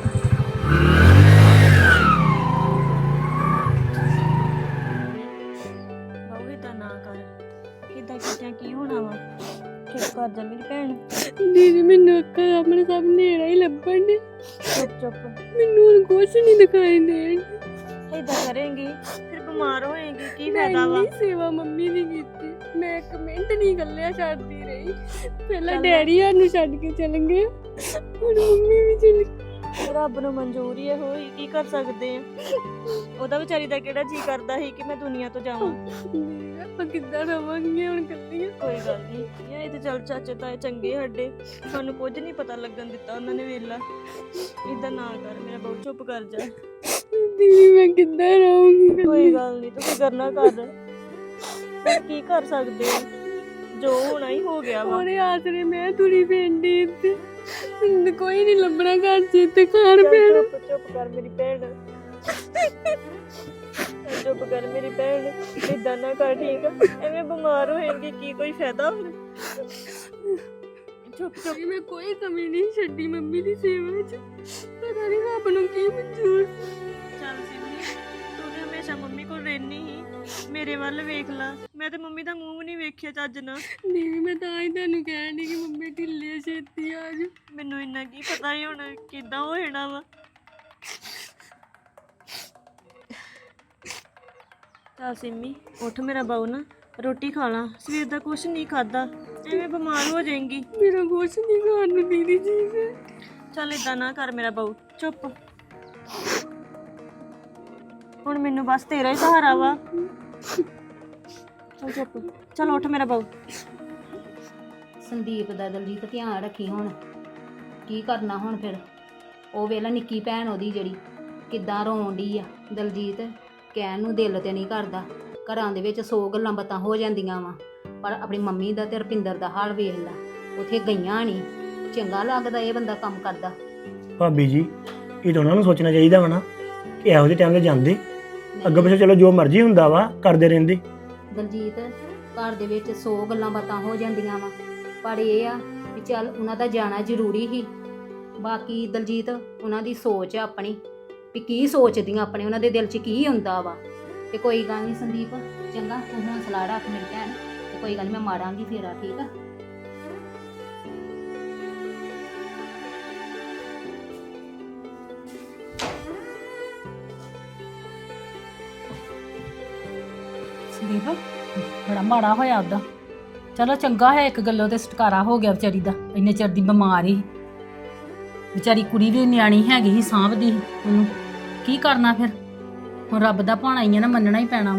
ਬਾਹੂ ਏਦਾਂ ਨਾ ਕਰ। ਕਿੱਦਾਂ ਕਿੱਦਾਂ ਕੀ ਹੋਣਾ ਵਾ? ਚੁੱਪ ਕਰ ਜਾ ਮੇਰੀ ਭੈਣ। ਦੀਦੀ ਮੈਨੂੰ ਅੱਖਾਂ ਆਪਣੇ ਸਭ ਨੇੜਾ ਹੀ ਲੱਭਣ ਡੇ। ਚੁੱਪ ਚੁੱਪ। ਮੈਨੂੰ ਹੁਣ ਕੁਛ ਨਹੀਂ ਦਿਖਾਈ ਦੇਣ। ਏਦਾਂ ਕਰੇਂਗੀ ਫਿਰ ਬਿਮਾਰ ਹੋਏਗੀ, ਕੀ ਮੈਂ ਫਾਇਦਾ ਵਾ? ਇੰਨੀ ਸੇਵਾ ਮੰਮੀ ਦੀ ਕੀਤੀ, ਮੈਂ ਇੱਕ ਮਿੰਟ ਨਹੀਂ ਗੱਲਿਆ ਛੱਡਦੀ ਰਹੀ। ਪਹਿਲਾਂ ਚੱਲ। ਡੈਡੀ ਨੂੰ ਛੱਡ ਕੇ ਚਲ ਗਏ, ਹੁਣ ਮੰਮੀ ਵੀ ਚਲ ਗਈ। ਰੱਬ ਨੂੰ ਮਨਜ਼ੂਰ ਹੀ ਹੋਈ, ਕੀ ਕਰ ਸਕਦੇ ਆ? ਉਹਦਾ ਵਿਚਾਰੀ ਦਾ ਕਿਹੜਾ ਜੀ ਕਰਦਾ ਸੀ ਕਿ ਮੈਂ ਦੁਨੀਆ ਤੋਂ ਜਾਵਾਂ। ਆਪਾਂ ਕਿੱਦਾਂ ਰਵਾਂਗੇ ਹੁਣ ਕੱਲੀਆਂ? ਕੋਈ ਗੱਲ ਨਹੀਂ, ਇਹ ਤੇ ਚੱਲ ਚਾਚੇ ਤਾਏ ਚੰਗੇ ਸਾਡੇ, ਸਾਨੂੰ ਕੁਝ ਨਹੀਂ ਪਤਾ ਲੱਗਣ ਦਿੱਤਾ ਉਹਨਾਂ ਨੇ। ਵੇਲਾ ਏਦਾਂ ਨਾ ਕਰ ਮੇਰਾ ਬਹੁਤ, ਚੁੱਪ ਕਰ ਜਾ। ਦੀਦੀ ਮੈਂ ਕਿੱਦਾਂ ਰਹੂੰਗੀ? ਕੋਈ ਗੱਲ ਨਹੀਂ, ਤੂੰ ਫਿਕਰ ਨਾ ਕਰ। ਪਰ ਕੀ ਕਰ ਸਕਦੇ ਆ, ਜੋ ਹੋਣਾ ਹੀ ਹੋ ਗਿਆ ਵਾ। ਉਹਦੇ ਆਸਰੇ ਮੈਂ ਤੁਰੀ ਪੈਂਦੀ ਇੱਥੇ, ਮੈਨੂੰ ਕੋਈ ਨਹੀਂ ਲੱਭਣਾ ਘਰ ਚ, ਇੱਥੇ ਖਾਣ ਚੱਲ ਪੈਣ। ਚੁੱਪ ਚੁੱਪ ਕਰ ਮੇਰੀ ਭੈਣ। ਚੱਲ ਚੁੱਪ ਕਰ ਮੇਰੀ ਭੈਣ, ਏਦਾਂ ਨਾ ਕਰ, ਠੀਕ ਆ? ਐਵੇਂ ਬਿਮਾਰ ਹੋਏਗੀ, ਕੀ ਕੋਈ ਫਾਇਦਾ ਫਿਰ? ਚੁੱਪ ਚੁੱਪ। ਮੈਂ ਕੋਈ ਕਮੀ ਨਹੀਂ ਛੱਡੀ ਮੰਮੀ ਦੀ ਸੇਵਾ 'ਚ, ਪਤਾ ਨਹੀਂ ਰੱਬ ਨੂੰ ਕੀ ਮਨਜ਼ੂਰ। ਚੱਲ ਸਿੰਮੀ, ਤੂੰ ਤੇ ਹਮੇਸ਼ਾ ਮੰਮੀ ਕੋਲ ਰਹਿਨੀ ਹੀ, ਮੇਰੇ ਵੱਲ ਵੇਖ ਲਾ। ਮੈਂ ਤੇ ਮੰਮੀ ਦਾ ਮੂੰਹ ਵੀ ਨਹੀਂ ਵੇਖਿਆ ਚੱਜ ਨਾਲ। ਨਹੀਂ ਮੈਂ ਤਾਂ ਹੀ ਤੁਹਾਨੂੰ ਕਹਿਣ ਡਈ ਕਿ ਮੰਮੀ ਢਿੱਲੇ ਛੇਤੀ ਆ ਜਾ। ਮੈਨੂੰ ਇੰਨਾ ਕੀ ਪਤਾ ਹੀ ਹੁਣ ਕਿੱਦਾਂ ਹੋ ਜਾਣਾ ਵਾ। ਚੱਲ ਸਿੰਮੀ ਉੱਠ ਮੇਰਾ ਬਾਊ, ਨਾ ਰੋਟੀ ਖਾ ਲਾ, ਸਵੇਰ ਦਾ ਕੁਛ ਨਹੀਂ ਖਾਦਾ, ਐਵੇਂ ਬਿਮਾਰ ਹੋ ਜਾਏਂਗੀ। ਮੇਰਾ ਕੁਛ ਨਹੀਂ ਖਾਣ ਨੂੰ ਦੀਦੀ ਜੀ ਹੈ। ਚੱਲ ਏਦਾਂ ਨਾ ਕਰ ਮੇਰਾ ਬਾਊ, ਚੁੱਪ। ਹੁਣ ਮੈਨੂੰ ਬਸ ਤੇਰਾ ਹੀ ਸਹਾਰਾ ਵਾ। ਚੱਲ ਚੁੱਪ, ਚੱਲ ਉੱਠ ਮੇਰਾ ਬਾਊ। ਸੰਦੀਪ ਦਾ ਦਲਜੀਤ ਧਿਆਨ ਰੱਖੀ ਹੁਣ। ਕੀ ਕਰਨਾ ਹੁਣ ਫਿਰ? ਉਹ ਵੇਲਾ ਨਿੱਕੀ ਭੈਣ ਉਹਦੀ ਜਿਹੜੀ ਕਿੱਦਾਂ ਰੋਣ ਡਈ ਆ। ਦਲਜੀਤ ਕਹਿਣ ਨੂੰ ਦਿਲ ਤੇ ਨਹੀਂ ਕਰਦਾ, ਘਰਾਂ ਦੇ ਵਿੱਚ 100 ਗੱਲਾਂ ਬਾਤਾਂ ਹੋ ਜਾਂਦੀਆਂ ਵਾ, ਪਰ ਆਪਣੀ ਮੰਮੀ ਦਾ ਤੇ ਰੁਪਿੰਦਰ ਦਾ ਹਾਲ ਵੇਖ ਲਾ। ਉੱਥੇ ਗਈਆਂ ਨਹੀਂ, ਚੰਗਾ ਲੱਗਦਾ ਇਹ ਬੰਦਾ ਕੰਮ ਕਰਦਾ? ਭਾਬੀ ਜੀ ਇਹ ਤਾਂ ਉਹਨਾਂ ਨੂੰ ਸੋਚਣਾ ਚਾਹੀਦਾ ਵਾ ਨਾ ਕਿ ਇਹੋ ਜਿਹੇ ਟਾਈਮ ਤੇ ਜਾਂਦੇ। ਅੱਗੇ ਪਿੱਛੇ ਚਲੋ ਜੋ ਮਰਜ਼ੀ ਹੁੰਦਾ ਵਾ ਕਰਦੇ ਰਹਿੰਦੇ। ਦਲਜੀਤ ਘਰ ਦੇ ਵਿੱਚ 100 ਗੱਲਾਂ ਬਾਤਾਂ ਹੋ ਜਾਂਦੀਆਂ ਵਾ, ਪਰ ਇਹ ਆ ਵੀ ਚੱਲ ਉਹਨਾਂ ਦਾ ਜਾਣਾ ਜ਼ਰੂਰੀ ਸੀ। ਬਾਕੀ ਦਲਜੀਤ ਉਹਨਾਂ ਦੀ ਸੋਚ ਆ ਆਪਣੀ, ਵੀ ਕੀ ਸੋਚਦੀਆਂ ਆਪਣੇ, ਉਹਨਾਂ ਦੇ ਦਿਲ 'ਚ ਕੀ ਹੁੰਦਾ ਵਾ। ਤੇ ਕੋਈ ਗੱਲ ਨਹੀਂ ਸੰਦੀਪ, ਚੰਗਾ ਤੂੰ ਹੌਂਸਲਾ ਰੱਖ ਮੇਰੀ ਭੈਣ, ਤੇ ਕੋਈ ਗੱਲ ਨਹੀਂ ਮੈਂ ਮਾਰਾਂਗੀ ਫੇਰਾ, ਠੀਕ ਆ? ਸੰਦੀਪ ਬੜਾ ਮਾੜਾ ਹੋਇਆ ਉਹਦਾ। ਚਲੋ ਚੰਗਾ ਹੈ ਇੱਕ ਗੱਲੋਂ ਤੇ ਛੁਟਕਾਰਾ ਹੋ ਗਿਆ ਵਿਚਾਰੀ ਦਾ, ਇੰਨੇ ਚਿਰ ਦੀ ਬਿਮਾਰ ਹੀ ਵਿਚਾਰੀ। ਕੁੜੀ ਵੀ ਨਿਆਣੀ ਹੈਗੀ ਸੀ, ਸਾਂਭਦੀ ਸੀ ਉਹਨੂੰ। ਕੀ ਕਰਨਾ ਫਿਰ, ਹੁਣ ਰੱਬ ਦਾ ਭਾਣਾ ਹੀ ਆ ਨਾ, ਮੰਨਣਾ ਹੀ ਪੈਣਾ।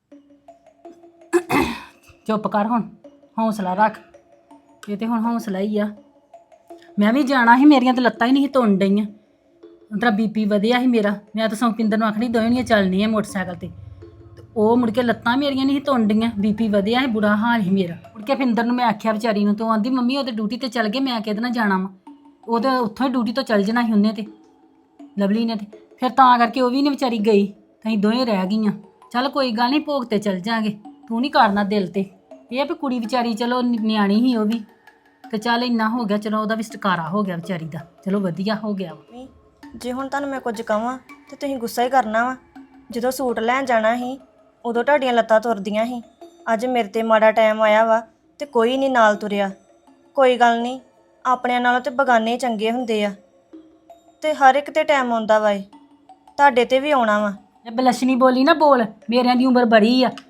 ਚੁੱਪ ਕਰ ਹੁਣ, ਹੌਸਲਾ ਰੱਖ। ਇਹ ਤੇ ਹੁਣ ਹੌਸਲਾ ਹੀ ਆ। ਮੈਂ ਵੀ ਜਾਣਾ ਸੀ, ਮੇਰੀਆਂ ਤਾਂ ਲੱਤਾਂ ਹੀ ਨਹੀਂ ਸੀ ਤੁੰਨ ਡਈਆਂ। ਤੇਰਾ ਬੀਪੀ ਵਧਿਆ ਸੀ ਮੇਰਾ, ਮੈਂ ਤਾਂ ਸੰਪਿੰਦਰ ਨੂੰ ਆਖਣੀ ਦੋਵੇਂ ਨਹੀਂ ਚੱਲਣੀ ਆ ਮੋਟਰਸਾਈਕਲ ਤੇ। ਉਹ ਮੁੜ ਕੇ ਲੱਤਾਂ ਮੇਰੀਆਂ ਨਹੀਂ ਸੀ ਤੁੰਨ ਡਈਆਂ, ਬੀਪੀ ਵਧਿਆ ਸੀ, ਬੁਰਾ ਹਾਲ ਸੀ ਮੇਰਾ। ਮੁੜ ਕੇ ਫਿੰਦਰ ਨੂੰ ਮੈਂ ਆਖਿਆ ਵਿਚਾਰੀ ਨੂੰ, ਤੂੰ ਆਂਦੀ ਮੰਮੀ ਉਹਦੇ ਡਿਊਟੀ ਤੇ ਚੱਲ ਗਏ, ਮੈਂ ਕਿਹਦੇ ਨਾਲ ਜਾਣਾ ਵਾ? ਉਹ ਤਾਂ ਉੱਥੋਂ ਹੀ ਡਿਊਟੀ ਤੋਂ ਚੱਲ ਜਾਣਾ ਸੀ ਉਹਨੇ ਤੇ, ਲਵਲੀ ਨੇ ਤੇ। ਫਿਰ ਤਾਂ ਕਰਕੇ ਉਹ ਵੀ ਨਹੀਂ ਵਿਚਾਰੀ ਗਈ, ਅਸੀਂ ਦੋਵੇਂ ਰਹਿ ਗਈਆਂ। ਚੱਲ ਕੋਈ ਗੱਲ ਨਹੀਂ, ਭੋਗ ਤੇ ਚੱਲ ਜਾਾਂਗੇ, ਤੂੰ ਨਹੀਂ ਕਰਨਾ ਦਿਲ ਤੇ। ਇਹ ਵੀ ਕੁੜੀ ਵਿਚਾਰੀ ਚਲੋ ਨਿਆਣੀ ਸੀ ਉਹ ਵੀ, ਤੇ ਚੱਲ ਇੰਨਾ ਹੋ ਗਿਆ, ਚਲੋ ਉਹਦਾ ਵੀ ਛੁਟਕਾਰਾ ਹੋ ਗਿਆ ਵਿਚਾਰੀ ਦਾ, ਚਲੋ ਵਧੀਆ ਹੋ ਗਿਆ ਵਾ। ਜੇ ਹੁਣ ਤੁਹਾਨੂੰ ਮੈਂ ਕੁਝ ਕਹਾਂ ਤੇ ਤੁਸੀਂ ਗੁੱਸਾ ਹੀ ਕਰਨਾ ਵਾ। ਜਦੋਂ ਸੂਟ ਲੈਣ ਜਾਣਾ ਸੀ ਉਦੋਂ ਤੁਹਾਡੀਆਂ ਲੱਤਾਂ ਤੁਰਦੀਆਂ ਸੀ, ਅੱਜ ਮੇਰੇ ਤੇ ਮਾੜਾ ਟਾਈਮ ਆਇਆ ਵਾ ਤੇ ਕੋਈ ਨਹੀਂ ਨਾਲ ਤੁਰਿਆ। ਕੋਈ ਗੱਲ ਨਹੀਂ, ਆਪਣਿਆਂ ਨਾਲੋਂ ਤੇ ਬਗਾਨੇ ਚੰਗੇ ਹੁੰਦੇ ਆ, ਤੇ ਹਰ ਇੱਕ ਤੇ ਟਾਈਮ ਆਉਂਦਾ ਵਾ, ਇਹ ਤੁਹਾਡੇ ਤੇ ਵੀ ਆਉਣਾ ਵਾ। ਇਹ ਬਲਸ਼ਨੀ ਬੋਲੀ ਨਾ ਬੋਲ, ਮੇਰਿਆਂ ਦੀ ਉਮਰ ਬੜੀ ਆ,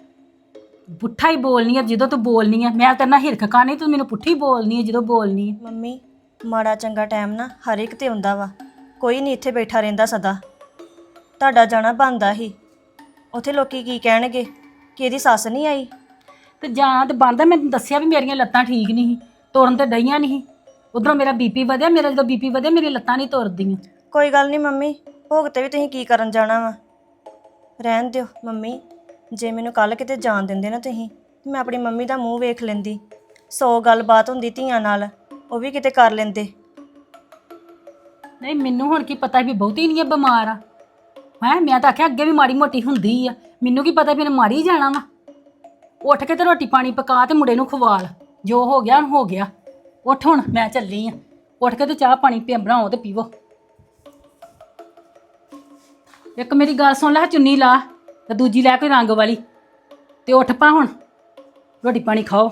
ਪੁੱਠਾ ਹੀ ਬੋਲਨੀ ਆ ਜਦੋਂ ਤੂੰ ਬੋਲਨੀ ਆ। ਮੈਂ ਤੇਰੇ ਨਾਲ ਹਿਰਖ ਖਾਣੀ, ਤੂੰ ਮੈਨੂੰ ਪੁੱਠੀ ਬੋਲਨੀ ਆ ਜਦੋਂ ਬੋਲਨੀ ਆ। ਮੰਮੀ ਮਾੜਾ ਚੰਗਾ ਟਾਈਮ ਨਾ ਹਰ ਇੱਕ ਤੇ ਆਉਂਦਾ ਵਾ, ਕੋਈ ਨਹੀਂ ਇੱਥੇ ਬੈਠਾ ਰਹਿੰਦਾ ਸਦਾ। ਤੁਹਾਡਾ ਜਾਣਾ ਬਣਦਾ ਹੀ। ਉੱਥੇ ਲੋਕੀ ਕੀ ਕਹਿਣਗੇ ਕਿ ਇਹਦੀ ਸੱਸ ਨਹੀਂ ਆਈ। ਤੇ ਜਾਂ ਤੇ ਬੰਦਾ ਮੈਂ ਤੈਨੂੰ ਦੱਸਿਆ ਵੀ ਮੇਰੀਆਂ ਲੱਤਾਂ ਠੀਕ ਨਹੀਂ ਸੀ, ਤੁਰਨ ਤੇ ਡਈਆਂ ਨਹੀਂ ਸੀ। ਉਧਰੋਂ ਮੇਰਾ ਬੀਪੀ ਵਧਿਆ, ਮੇਰਾ ਜਦੋਂ ਬੀਪੀ ਵਧਿਆ ਮੇਰੀ ਲੱਤਾਂ ਨਹੀਂ ਤੁਰਦੀਆਂ। ਕੋਈ ਗੱਲ ਨਹੀਂ ਮੰਮੀ, ਭੋਗ ਤੇ ਵੀ ਤੁਸੀਂ ਕੀ ਕਰਨ ਜਾਣਾ ਵਾ। ਰਹਿਣ ਦਿਓ ਮੰਮੀ, ਜੇ ਮੈਨੂੰ ਕੱਲ ਕਿਤੇ ਜਾਣ ਦਿੰਦੇ ਨਾ ਤੁਸੀਂ, ਮੈਂ ਆਪਣੀ ਮੰਮੀ ਦਾ ਮੂੰਹ ਵੇਖ ਲੈਂਦੀ। 100 ਗੱਲਬਾਤ ਹੁੰਦੀ ਧੀਆਂ ਨਾਲ, ਉਹ ਵੀ ਕਿਤੇ ਕਰ ਲੈਂਦੇ। ਨਹੀਂ ਮੈਨੂੰ ਹੁਣ ਕੀ ਪਤਾ ਵੀ ਬਹੁਤੀ ਨਹੀਂ ਆ ਬਿਮਾਰ ਆ। ਮੈਂ ਤਾਂ ਆਖਿਆ ਅੱਗੇ ਵੀ ਮਾੜੀ ਮੋਟੀ ਹੁੰਦੀ ਆ, ਮੈਨੂੰ ਕੀ ਪਤਾ ਵੀ ਇਹਨੇ ਮਾਰੀ ਜਾਣਾ ਵਾ। ਉੱਠ ਕੇ ਤੇ ਰੋਟੀ ਪਾਣੀ ਪਕਾ ਤੇ ਮੁੰਡੇ ਨੂੰ ਖਵਾਲ, ਜੋ ਹੋ ਗਿਆ ਹੋ ਗਿਆ। ਉੱਠ ਹੁਣ, ਮੈਂ ਚੱਲੀ ਆ। ਉੱਠ ਕੇ ਤੇ ਚਾਹ ਪਾਣੀ ਬਣਾਓ ਤੇ ਪੀਵੋ। ਇੱਕ ਮੇਰੀ ਗੱਲ ਸੁਣ ਲੈ, ਚੁੰਨੀ ਲਾ ਤੇ ਦੂਜੀ ਲੈ ਕੋਈ ਰੰਗ ਵਾਲੀ ਤੇ ਉੱਠ ਪਾ ਹੁਣ, ਰੋਟੀ ਪਾਣੀ ਖਾਓ।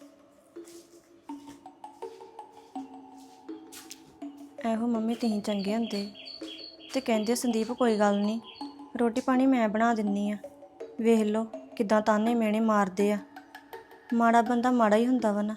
ਇਹੋ ਮੰਮੀ ਤੁਸੀਂ ਚੰਗੇ ਹੁੰਦੇ ਤੇ ਕਹਿੰਦੇ ਸੰਦੀਪ ਕੋਈ ਗੱਲ ਨਹੀਂ, ਰੋਟੀ ਪਾਣੀ ਮੈਂ ਬਣਾ ਦਿੰਨੀ ਆ। ਵੇਖ ਲਓ ਕਿਦਾਂ ਤਾਨੇ ਮਿਹਣੇ ਮਾਰਦੇ ਆ। ਮਾੜਾ ਬੰਦਾ ਮਾੜਾ ਹੀ ਹੁੰਦਾ ਵਾ ਨਾ।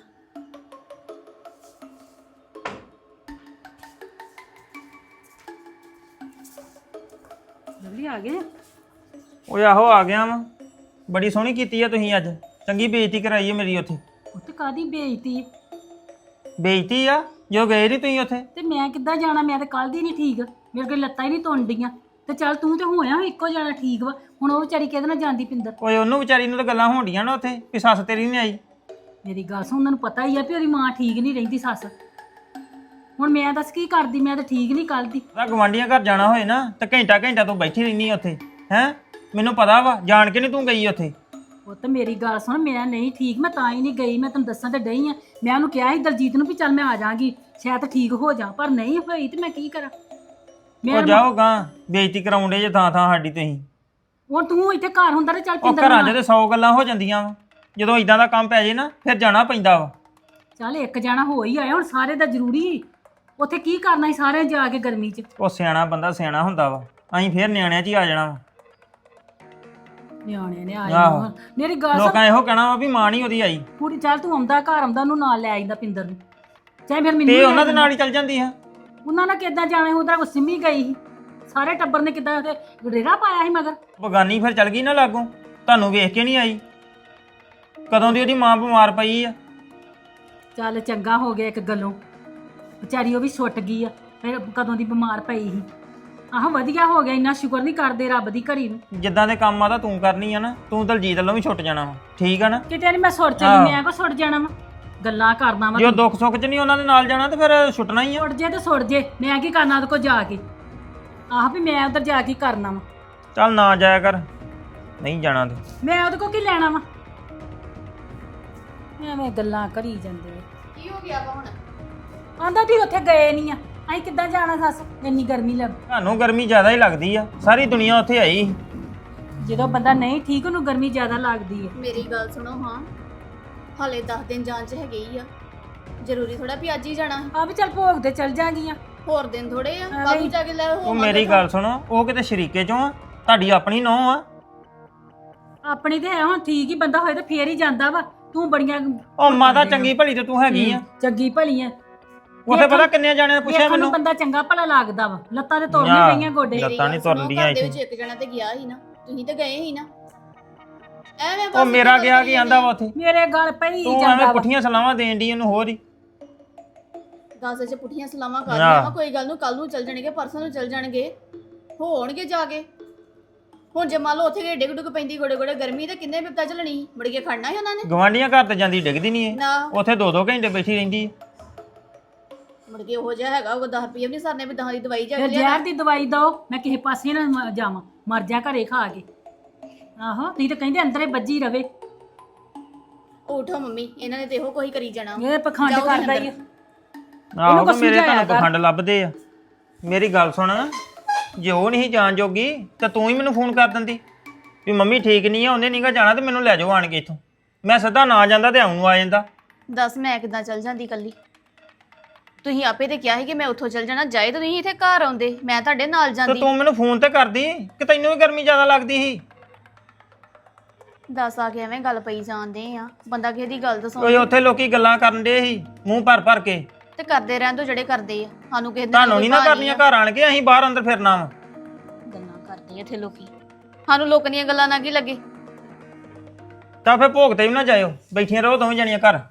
ਲਵਲੀ ਆ ਗਏ? ਓਏ ਆਹੋ ਆ ਗਿਆ ਵਾਂ। ਬੜੀ ਸੋਹਣੀ ਕੀਤੀ ਆ ਤੁਸੀਂ ਅੱਜ, ਚੰਗੀ ਬੇਇੱਜ਼ਤੀ ਕਰਾਈ ਆ ਮੇਰੀ ਉੱਥੇ। ਉੱਥੇ ਕਾਦੀ ਬੇਇੱਜ਼ਤੀ? ਬੇਇੱਜ਼ਤੀ ਆ ਜੋ ਗਏ ਨਹੀਂ ਤੁਸੀਂ ਉੱਥੇ। ਤੇ ਮੈਂ ਕਿੱਦਾਂ ਜਾਣਾ? ਮੈਂ ਤਾਂ ਕੱਲ ਦੀ ਨਹੀਂ ਠੀਕ, ਮੇਰੇ ਕੋਲ ਲੱਤਾਂ ਹੀ ਨਹੀਂ ਤੁੰਡੀਆਂ। ਤੇ ਚੱਲ ਤੂੰ ਤੇ ਹੋਇਆ ਇੱਕੋ ਜਾਣਾ ਠੀਕ ਵਾ, ਹੁਣ ਉਹ ਵਿਚਾਰੀ ਕਿਹਦੇ ਨਾਲ ਜਾਂਦੀ ਪਿੰਦਰ? ਓਏ ਉਹਨੂੰ ਵਿਚਾਰੀ ਨੂੰ ਤਾਂ ਗੱਲਾਂ ਹੋਣਡੀਆਂ ਨਾ ਉੱਥੇ ਵੀ ਸੱਸ ਤੇਰੀ ਨਹੀਂ ਆਈ। ਮੇਰੀ ਗੱਲ ਸੁਣ, ਉਹਨਾਂ ਨੂੰ ਪਤਾ ਹੀ ਆ ਵੀ ਉਹਦੀ ਮਾਂ ਠੀਕ ਨਹੀਂ ਰਹਿੰਦੀ ਸੱਸ। ਹੁਣ ਮੈਂ ਦੱਸ ਕੀ ਕਰਦੀ? ਮੈਂ ਤਾਂ ਠੀਕ ਨਹੀਂ ਕੱਲ ਦੀ। ਤਾਂ ਗਵਾਂਢੀਆਂ ਘਰ ਜਾਣਾ ਹੋਏ ਨਾ ਤਾਂ ਘੰਟਾ ਘੰਟਾ ਤੂੰ ਬੈਠੀ ਰਹਿਨੀ ਆ ਉੱਥੇ ਹੈ। ਮੈਨੂੰ ਪਤਾ ਵਾ ਜਾਣ ਕੇ ਨਹੀਂ ਤੂੰ ਗਈ ਉੱਥੇ। ਉਹ ਤਾਂ ਮੇਰੀ ਗੱਲ ਸੁਣ, ਮੈਂ ਨਹੀਂ ਠੀਕ, ਮੈਂ ਤਾਂ ਹੀ ਨਹੀਂ ਗਈ। ਮੈਂ ਤੈਨੂੰ ਦੱਸਾਂ ਤੇ ਡਈ ਆ। ਮੈਂ ਉਹਨੂੰ ਕਿਹਾ ਸੀ ਦਲਜੀਤ ਨੂੰ ਵੀ ਚੱਲ ਮੈਂ ਆ ਜਾਾਂਗੀ, ਸ਼ਾਇਦ ਠੀਕ ਹੋ ਜਾ, ਪਰ ਨਹੀਂ ਹੋਈ ਤੇ ਮੈਂ ਕੀ ਕਰਾਂ? ਉਹ ਜਾਓਗਾ ਬੇਇੱਜ਼ਤੀ ਕਰਾਉਂਦੇ ਜੇ ਥਾਂ ਥਾਂ ਸਾਡੀ ਤੁਸੀਂ। ਹੁਣ ਤੂੰ ਇੱਥੇ ਘਰ ਹੁੰਦਾ ਤੇ ਚੱਲ ਉਹ ਪਿੰਦਰ ਘਰਾਂ 'ਚ ਨਾਲ। ਤੇ 100 ਗੱਲਾਂ ਹੋ ਜਾਂਦੀਆਂ ਵਾ, ਜਦੋਂ ਇਦਾਂ ਦਾ ਕੰਮ ਪੈ ਜੇ ਨਾ ਫਿਰ ਜਾਣਾ ਪੈਂਦਾ ਵਾ। ਚੱਲ ਇੱਕ ਜਾਣਾ ਹੋ ਹੀ ਆਇਆ, ਹੁਣ ਸਾਰੇ ਦਾ ਜ਼ਰੂਰੀ। ਉੱਥੇ ਕੀ ਕਰਨਾ ਸੀ ਸਾਰੇ ਜਾ ਕੇ ਗਰਮੀ 'ਚ? ਉਹ ਸਿਆਣਾ ਬੰਦਾ ਸਿਆਣਾ ਹੁੰਦਾ ਵਾ, ਅਸੀਂ ਫਿਰ ਨਿਆਣਿਆਂ 'ਚ ਹੀ ਆ ਜਾਣਾ ਵਾ। ਨਿਆਣੇ ਨੇ ਆਹੋ। ਆਏ ਮੇਰੀ ਗੱਲ ਸੁਣ, ਲੋਕਾਂ ਇਹੋ ਕਹਿਣਾ ਵਾ ਵੀ ਮਾਂ ਨਹੀਂ ਉਹਦੀ ਆਈ ਕੁੜੀ ਚੱਲ ਤੂੰ ਆਉਂਦਾ ਘਰ ਆਉਂਦਾ ਉਹਨੂੰ ਨਾਲ ਲੈ ਆਈਂਦਾ ਪਿੰਦਰ ਨੂੰ, ਚਾਹੇ ਫਿਰ ਮੈਨੂੰ ਤੇ ਲੈ ਉਹਨਾਂ ਦੇ ਆਈਂਦਾ। ਨਾਲ ਹੀ ਚੱਲ ਜਾਂਦੀ ਆ। ਉਹਨਾਂ ਨਾਲ ਕਿੱਦਾਂ ਜਾਣਾ? ਉਹਦਾ ਕੋ ਸਿੰਮੀ ਗਈ ਸੀ, ਸਾਰੇ ਟੱਬਰ ਨੇ ਕਿੱਦਾਂ ਉਹਦੇ ਗਡੇਰਾ ਪਾਇਆ ਸੀ ਮਗਰ। ਬਗਾਨੀ ਫਿਰ ਚੱਲ ਗਈ ਨਾ ਲਾਗੋਂ, ਤੁਹਾਨੂੰ ਵੇਖ ਕੇ ਨਹੀਂ ਆਈ। ਕਦੋਂ ਦੀ ਉਹਦੀ ਮਾਂ ਬਿਮਾਰ ਪਈ ਆ। ਚੱਲ ਚੰਗਾ ਹੋ ਗਿਆ ਇੱਕ ਗੱਲੋਂ, ਵਿਚਾਰੀ ਉਹ ਵੀ ਛੁੱਟ ਗਈ ਆ, ਫਿਰ ਕਦੋਂ ਦੀ ਬਿਮਾਰ ਪਈ ਸੀ। ਆਹ ਵਧੀਆ ਹੋ ਗਿਆ, ਇੰਨਾ ਸ਼ੁਕਰ ਨਹੀਂ ਕਰਦੇ ਰੱਬ ਦੀ ਘੜੀ ਨੂੰ। ਜਿੱਦਾਂ ਦੇ ਕੰਮ ਆ ਤਾਂ ਤੂੰ ਕਰਨੀ ਆ ਨਾ, ਤੂੰ ਦਲਜੀਤ ਵੱਲੋਂ ਵੀ ਛੁੱਟ ਜਾਣਾ ਵਾ, ਠੀਕ ਆ ਨਾ। ਕਿਤੇ ਨਹੀਂ ਮੈਂ ਸੁੱਟ ਆਹੋ। ਚੱਲੀ, ਮੈਂ ਕੋ ਸੁੱਟ ਜਾਣਾ ਵਾ? ਗੱਲਾਂ ਕਰਦਾ ਵਾ ਜੇ ਤੂੰ। ਦੁੱਖ ਸੁੱਖ 'ਚ ਨਹੀਂ ਉਹਨਾਂ ਦੇ ਨਾਲ ਜਾਣਾ ਤੇ ਫਿਰ ਛੁੱਟਣਾ ਹੀ ਆ। ਸੁੱਟ ਜੇ ਤੇ ਸੁੱਟ ਜੇ, ਮੈਂ ਕੀ ਕਰਨਾ ਉਹਦੇ ਕੋਲ ਜਾ ਕੇ? ਆਹ ਵੀ ਮੈਂ ਉਧਰ ਜਾ ਕੇ ਕਰਨਾ ਵਾ? ਚੱਲ ਨਾ ਜਾਇਆ ਕਰ, ਨਹੀਂ ਜਾਣਾ ਤੇ। ਮੈਂ ਉਹਦੇ ਕੋਲ ਕੀ ਲੈਣਾ ਵਾ? ਐਵੇਂ ਗੱਲਾਂ ਕਰੀ ਜਾਂਦੇ ਆ। ਕੀ ਹੋ ਗਿਆ ਵਾ ਹੁਣ? ਆਂਦਾ ਤੁਸੀਂ ਉੱਥੇ ਗਏ ਨਹੀਂ ਆ, ਅਸੀਂ ਕਿੱਦਾਂ ਜਾਣਾ ਸੱਸ? ਇੰਨੀ ਗਰਮੀ ਲੱਗ। ਤੁਹਾਨੂੰ ਗਰਮੀ ਜ਼ਿਆਦਾ ਹੀ ਲੱਗਦੀ ਆ, ਸਾਰੀ ਦੁਨੀਆ ਉੱਥੇ ਆਈ। ਜਦੋਂ ਬੰਦਾ ਨਹੀਂ ਠੀਕ ਉਹਨੂੰ ਗਰਮੀ ਜ਼ਿਆਦਾ ਲੱਗਦੀ ਹੈ। ਮੇਰੀ ਗੱਲ ਸੁਣੋ ਹਾਂ, ਹਾਲੇ 10 ਦਿਨ ਜਾਣ ਚ ਹੈਗੇ ਹੀ ਆ, ਜ਼ਰੂਰੀ ਥੋੜਾ ਵੀ ਅੱਜ ਹੀ ਜਾਣਾ। ਆ ਵੀ ਚੱਲ ਭੋਗ ਤੇ ਚੱਲ ਜਾਗੀਆਂ। ਹੋਰ ਦਿਨ ਥੋੜੇ ਆ, ਐਵੇਂ ਕੱਲ ਹੀ। ਨੂੰ ਜਾ ਕੇ ਲੈ ਉਹ ਮੇਰੀ ਗੱਲ ਸੁਣੋ, ਉਹ ਕਿਤੇ ਸ਼ਰੀਕੇ ਚੋਂ ਆ, ਤੁਹਾਡੀ ਆਪਣੀ ਨੂੰਹ ਆ। ਆਪਣੀ ਤੇ ਹੈ, ਹੁਣ ਠੀਕ ਹੀ ਬੰਦਾ ਹੋਏ ਤੇ ਫੇਰ ਹੀ ਜਾਂਦਾ ਵਾ। ਤੂੰ ਬੜੀਆਂ ਉਹ ਮਾਤਾ ਚੰਗੀ ਭਲੀ ਤੇ ਤੂੰ ਹੈਗੀ ਆ। ਚੰਗੀ ਭਲੀ ਆ। ਉੱਥੇ ਪਤਾ ਕਿੰਨੇ ਜਾਣਿਆਂ ਨੇ ਪੁੱਛਿਆ ਵੇਖਣ ਨੂੰ ਮੈਨੂੰ। ਬੰਦਾ ਚੰਗਾ ਭਲਾ ਲੱਗਦਾ ਵਾ, ਲੱਤਾਂ ਤੇ ਤੁਰਨੀ ਯਾਰ। ਪਈਆਂ ਗੋਡੇ। ਲੱਤਾਂ ਮੇਰੀ ਨੀ ਗੱਲ ਸੁਣੋ, ਤੁਰਦੀਆਂ ਘਰ ਦੇ ਇੱਥੇ। ਵਿੱਚ ਇੱਕ ਜਣਾ ਤੇ ਗਿਆ ਸੀ ਨਾ, ਤੁਸੀਂ ਤੇ ਗਏ ਸੀ ਨਾ। ਐਵੇਂ ਉਹ ਮੇਰਾ ਗਿਆ ਕੀ ਆਂਦਾ ਵਾ ਵਾ ਉੱਥੇ? ਮੇਰੇ ਗਲ ਪਈ ਤੂੰ ਜਾਂਦਾ ਐਵੇਂ ਵਾ। ਪੁੱਠੀਆਂ ਸਲਾਵਾਂ ਦੇਣ ਦੀ ਉਹਨੂੰ ਹੋਰ ਹੀ। 10 ਚ ਪੁੱਠੀਆਂ ਸਲਾਮਾਂ ਕਰ ਆਹ। ਰਹੀਆਂ ਵਾ, ਕੋਈ ਗੱਲ ਨੂੰ ਕੱਲ ਨੂੰ ਚੱਲ ਜਾਣਗੇ, ਪਰਸੋਂ ਨੂੰ ਚੱਲ ਜਾਣਗੇ, ਹੋਣਗੇ ਜਾ ਕੇ। ਹੁਣ ਜੇ ਮੰਨ ਲਓ ਉੱਥੇ ਗਏ ਡਿੱਗ ਡੁੱਗ ਪੈਂਦੀ ਗੋੜੇ ਗੋੜੇ ਗਰਮੀ ਤੇ ਕਿੰਨੇ ਬਿਪਤਾ ਝੱਲਣੀ ਸੀ, ਮੁੜ ਕੇ ਖੜਨਾ ਸੀ ਉਹਨਾਂ ਨੇ ਗਵਾਂਢੀਆਂ ਘਰ ਤੇ ਜਾਂਦੀ ਡਿੱਗਦੀ ਨਹੀਂ ਏ, ਨਾ। ਉੱਥੇ 2-2 ਘੰਟੇ ਬੈਠੀ ਰਹਿੰਦੀ ਏ। ਮੁੜ ਕੇ ਉਹੋ ਜਿਹਾ ਹੈਗਾ, ਉਹ 10 ਰੁਪਏ ਵੀ ਨਹੀਂ ਸਰਨੇ ਵੀ 10 ਦੀ ਦਵਾਈ ਜਾ ਫਿਰ ਕੇ ਜ਼ਹਿਰ ਲਿਆ। ਦੀ ਦਵਾਈ ਦੋ, ਮੈਂ ਕਿਸੇ ਪਾਸੇ ਨਾ ਜਾਵਾਂ, ਮਰ ਜਾ ਘਰੇ ਖਾ ਕੇ। ਆਹੋ ਤੁਸੀਂ ਤਾਂ ਕਹਿੰਦੇ ਅੰਦਰੇ ਵੱਜੀ ਰਵੇ। ਉਠੋ ਮੰਮੀ, ਇਹਨਾਂ ਨੇ ਤੇ ਇਹੋ ਕੋਈ ਕਰੀ ਜਾਣਾ। ਇਹ ਪਖੰਡ ਜਾਓ ਤੁਸੀਂ ਕਰਦਾ ਹੀ ਆ। ਆਹੋ ਕੁਛ ਤੇ ਮੇਰੇ ਸਮਝਾਇਆ ਤੁਹਾਨੂੰ ਕਰ। ਪਖੰਡ ਲੱਭਦੇ ਆ। ਮੇਰੀ ਗੱਲ ਸੁਣ, ਜੇ ਉਹ ਨਹੀਂ ਜਾਣ ਜੋਗੀ ਤਾਂ ਤੂੰ ਹੀ ਮੈਨੂੰ ਫੋਨ ਕਰ ਦਿੰਦੀ ਵੀ ਮੰਮੀ ਠੀਕ ਨਹੀਂ ਆ, ਉਹਨੇ ਨਹੀਂਗਾ ਜਾਣਾ ਤੇ ਮੈਨੂੰ ਲੈ ਜਾਓ ਆਣ ਕੇ ਇੱਥੋਂ। ਮੈਂ ਸਿੱਧਾ ਨਾ ਜਾਂਦਾ ਤੇ ਆਉਂ ਨੂੰ ਆ ਜਾਂਦਾ। ਦੱਸ ਮੈਂ ਕਿੱਦਾਂ ਚੱਲ ਜਾਂਦੀ ਕੱਲੀ? ਤੁਸੀਂ ਆਪੇ ਤੇ ਕਿਹਾ ਸੀ ਕਿ ਮੈਂ ਉੱਥੋਂ ਚੱਲ ਜਾਣਾ, ਜਾਏ ਤਾਂ ਤੁਸੀਂ ਇੱਥੇ ਘਰ ਆਉਂਦੇ, ਮੈਂ ਤੁਹਾਡੇ ਨਾਲ ਤੇ ਜਾਂਦੀ। ਤੂੰ ਮੈਨੂੰ ਫੋਨ ਤੇ ਕਰਦੀ ਕਿ ਤੈਨੂੰ ਵੀ ਗਰਮੀ ਜ਼ਿਆਦਾ ਲੱਗਦੀ ਸੀ। ਦੱਸ ਆ ਕੇ ਐਵੇਂ ਗੱਲ ਪਈ ਜਾਂਦੇ ਆ, ਬੰਦਾ ਕਿਸੇ ਦੀ ਗੱਲ ਤਾਂ ਓਏ ਸੁਣ। ਉੱਥੇ ਲੋਕੀ ਗੱਲਾਂ ਕਰਨ ਦੇ ਸੀ ਮੂੰਹ ਭਰ ਭਰ ਕੇ ਤੇ ਕਰਦੇ ਰਹਿਣ ਦੋ ਜਿਹੜੇ ਕਰਦੇ ਆ। ਸਾਨੂੰ ਕਿਸੇ ਦਿਨ ਤੁਹਾਨੂੰ ਕੋਈ ਨਹੀਂ ਨਾ ਭਾਅ ਕਰਨੀਆਂ ਆ। ਘਰ ਆਣ ਕੇ, ਅਸੀਂ ਬਾਹਰ ਅੰਦਰ ਫਿਰਨਾ ਵਾ। ਗੱਲਾਂ ਕਰਦੇ ਆ ਇੱਥੇ ਲੋਕੀ। ਸਾਨੂੰ ਲੋਕਾਂ ਦੀਆਂ ਗੱਲਾਂ ਨਾ ਕੀ ਲੱਗੇ। ਤਾਂ ਫਿਰ ਭੋਗ ਤੇ ਵੀ ਨਾ ਜਾਇਓ, ਬੈਠੀਆਂ ਰਹੋ ਦੋਵੇਂ ਜਣੀਆਂ ਘਰ।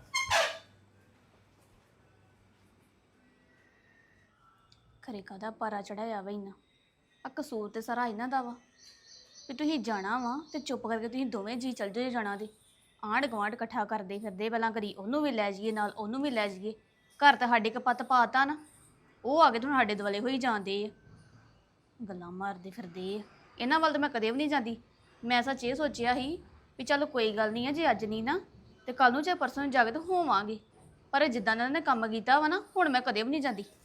ਖਰੇ ਕਾਹਦਾ ਪਾਰਾ ਚੜਾਇਆ ਵਾ ਇੰਨਾ। ਆ ਕਸੂਰ ਤੇ ਸਾਰਾ ਇਹਨਾਂ ਦਾ ਵਾ ਵੀ ਤੁਸੀਂ ਜਾਣਾ ਵਾ ਤੇ ਚੁੱਪ ਕਰਕੇ ਤੁਸੀਂ ਦੋਵੇਂ ਜੀ ਚੱਲ ਜਾਓ ਜਾਣਾ ਦੇ। ਆਂਢ ਗੁਆਂਢ ਇਕੱਠਾ ਕਰਦੇ ਫਿਰਦੇ, ਪਹਿਲਾਂ ਕਰੀ ਉਹਨੂੰ ਵੀ ਲੈ ਜਾਈਏ ਨਾਲ, ਉਹਨੂੰ ਵੀ ਲੈ ਜਾਈਏ। ਘਰ ਤਾਂ ਸਾਡੇ ਕਪੱਤ ਪਾਤਾ ਨਾ, ਉਹ ਆ ਕੇ ਤੁਹਾਨੂੰ ਸਾਡੇ ਦੁਆਲੇ ਹੋਈ ਜਾਂਦੇ ਆ, ਗੱਲਾਂ ਮਾਰਦੇ ਫਿਰਦੇ ਆ। ਇਹਨਾਂ ਵੱਲ ਤਾਂ ਮੈਂ ਕਦੇ ਵੀ ਨਹੀਂ ਜਾਂਦੀ। ਮੈਂ ਸੱਚ ਇਹ ਸੋਚਿਆ ਸੀ ਵੀ ਚਲੋ ਕੋਈ ਗੱਲ ਨਹੀਂ ਆ, ਜੇ ਅੱਜ ਨਹੀਂ ਨਾ ਤੇ ਕੱਲ ਨੂੰ ਚਾਹੇ ਪਰਸੋਂ ਨੂੰ ਜਾ ਕੇ ਤਾਂ ਹੋਵਾਂਗੇ। ਪਰ ਜਿੱਦਾਂ ਇਹਨਾਂ ਨੇ ਕੰਮ ਕੀਤਾ ਵਾ ਨਾ, ਹੁਣ ਮੈਂ ਕਦੇ ਵੀ ਨਹੀਂ ਜਾਂਦੀ।